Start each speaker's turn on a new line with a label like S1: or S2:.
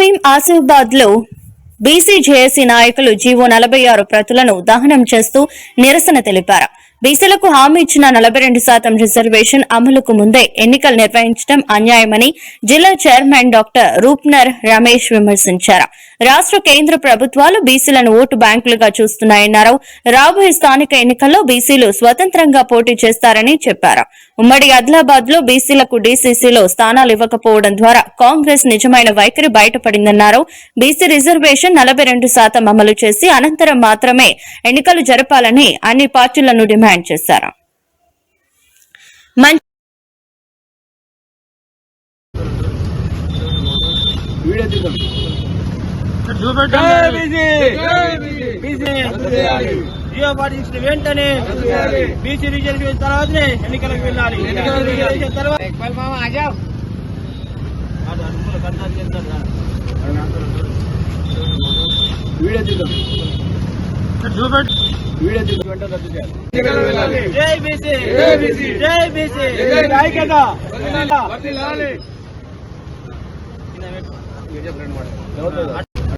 S1: కొమరంభీం ఆసిఫాబాద్ లో BC JAC నాయకులు GO 46 ప్రతులను దహనం చేస్తూ నిరసన తెలిపారు. బీసీలకు హామీ ఇచ్చిన 42% రిజర్వేషన్ అమలుకు ముందే ఎన్నికలు నిర్వహించడం అన్యాయమని జిల్లా చైర్మన్ డాక్టర్ రూప్నర్ రమేష్ విమర్శించారు. రాష్ట్ర కేంద్ర ప్రభుత్వాలు బీసీలను ఓటు బ్యాంకులుగా చూస్తున్నాయన్నారు. రాబోయే స్థానిక ఎన్నికల్లో బీసీలు స్వతంత్రంగా పోటీ చేస్తారని చెప్పారు. ఉమ్మడి ఆదిలాబాద్ లో బీసీలకు డీసీసీలో స్థానాలు ఇవ్వకపోవడం ద్వారా కాంగ్రెస్ నిజమైన వైఖరి బయటపడిందన్నారు. బీసీ రిజర్వేషన్ 42% అమలు చేసి అనంతరం మాత్రమే ఎన్నికలు జరపాలని అన్ని పార్టీలను డిమాండ్ చేశారు.
S2: వెంటనే బీసీ రిజర్వేషన్ తర్వాతనే ఎన్నికలకు వెళ్ళాలి. జై బీసీ, జై బీసీ, ఐక్యత.